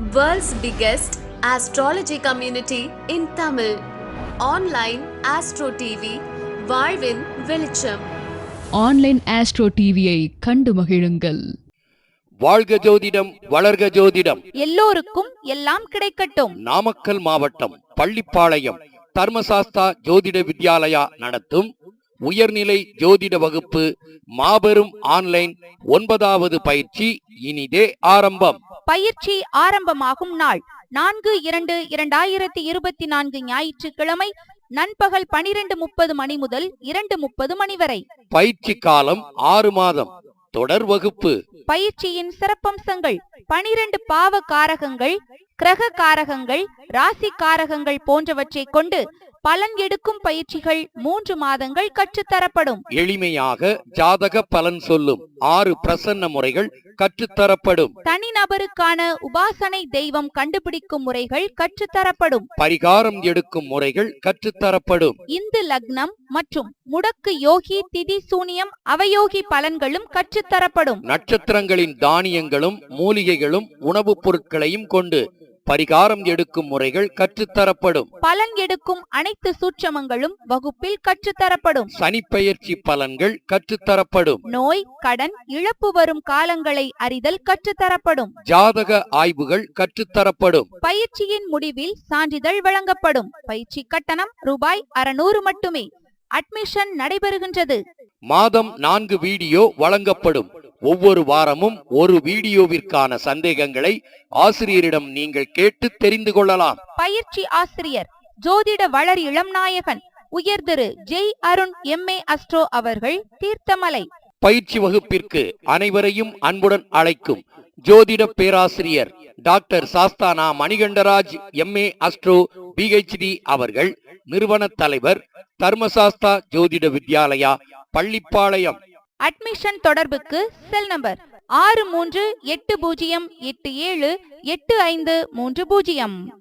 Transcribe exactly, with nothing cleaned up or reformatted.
World's biggest astrology community in Tamil. Online Astro T V, வாழ்வின் வெளிச்சம். Online astro டிவியை கண்டு மகிழுங்கள். வாழ்க ஜோதிடம், வளர்க ஜோதிடம், எல்லோருக்கும் எல்லாம் கிடைக்கட்டும். நாமக்கல் மாவட்டம் பள்ளிப்பாளையம் தர்மசாஸ்தா ஜோதிட வித்யாலயா நடத்தும் உயர்நிலை ஜோதிட வகுப்பு மாபெரும் ஆன்லைன் ஒன்பதாவது பயிற்சி இனிதே ஆரம்பம். பயிற்சி ஆரம்பமாகும் நாள் நான்கு இரண்டு இரண்டாயிரத்தி இருபத்தி நான்கு ஞாயிற்றுக்கிழமை நண்பகல் பனிரெண்டு முப்பது மணி முதல் இரண்டு முப்பது மணி வரை. பயிற்சி காலம் ஆறு மாதம். தொடர் வகுப்பு. பயிற்சியின் சிறப்பம்சங்கள்: பனிரெண்டு பாவ காரகங்கள், கிரக காரகங்கள், ராசி காரகங்கள் போன்றவற்றை கொண்டு பலன் எடுக்கும் பயிற்சிகள் மூன்று மாதங்கள் கற்றுத்தரப்படும். எளிமையாக ஜாதக பலன் சொல்லும் ஆறு பிரசன்ன முறைகள் கற்றுத்தரப்படும். தனிநபருக்கான உபாசனை தெய்வம் கண்டுபிடிக்கும் முறைகள் கற்றுத்தரப்படும். பரிகாரம் எடுக்கும் முறைகள் கற்றுத்தரப்படும். இந்து லக்னம் மற்றும் முடக்கு யோகி திதி சூனியம் அவயோகி பலன்களும் கற்றுத்தரப்படும். நட்சத்திரங்களின் தானியங்களும் மூலிகைகளும் உணவுப் பொருட்களையும் கொண்டு பரிகாரம் எடுக்கும் முறைகள் கற்றுத்தரப்படும். பலன் எடுக்கும் அனைத்து சூட்சமங்களும் வகுப்பில் கற்றுத்தரப்படும். சனிப்பெயர்ச்சி பலன்கள் கற்றுத்தரப்படும். நோய், கடன், இழப்பு வரும் காலங்களை அறிதல் கற்றுத்தரப்படும். ஜாதக ஆய்வுகள் கற்றுத்தரப்படும். பயிற்சியின் முடிவில் சான்றிதழ் வழங்கப்படும். பயிற்சி கட்டணம் ரூபாய் அறுநூறு மட்டுமே. அட்மிஷன் நடைபெறுகின்றது. மாதம் நான்கு வீடியோ வழங்கப்படும். ஒவ்வொரு வாரமும் ஒரு வீடியோவிற்கான சந்தேகங்களை ஆசிரியரிடம் நீங்கள் கேட்டு தெரிந்து கொள்ளலாம். பயிற்சி ஆசிரியர் ஜோதிட வளர் இளம் நாயகன் உயர் Thiru Jai Arun M A astro அவர்கள், தீர்த்தமலை. பயிற்சி வகுப்பிற்கு அனைவரையும் அன்புடன் அழைக்கும் ஜோதிட பேராசிரியர் doctor Sasthana Manikandaraj M A astro P H D அவர்கள், நிறுவன தலைவர் தர்மசாஸ்தா ஜோதிட வித்யாலயா பள்ளிப்பாளையம். அட்மிஷன் தொடர்புக்கு செல் நம்பர் ஆறு மூன்று எட்டு பூஜ்ஜியம் எட்டு ஏழு எட்டு ஐந்து மூன்று பூஜ்ஜியம்.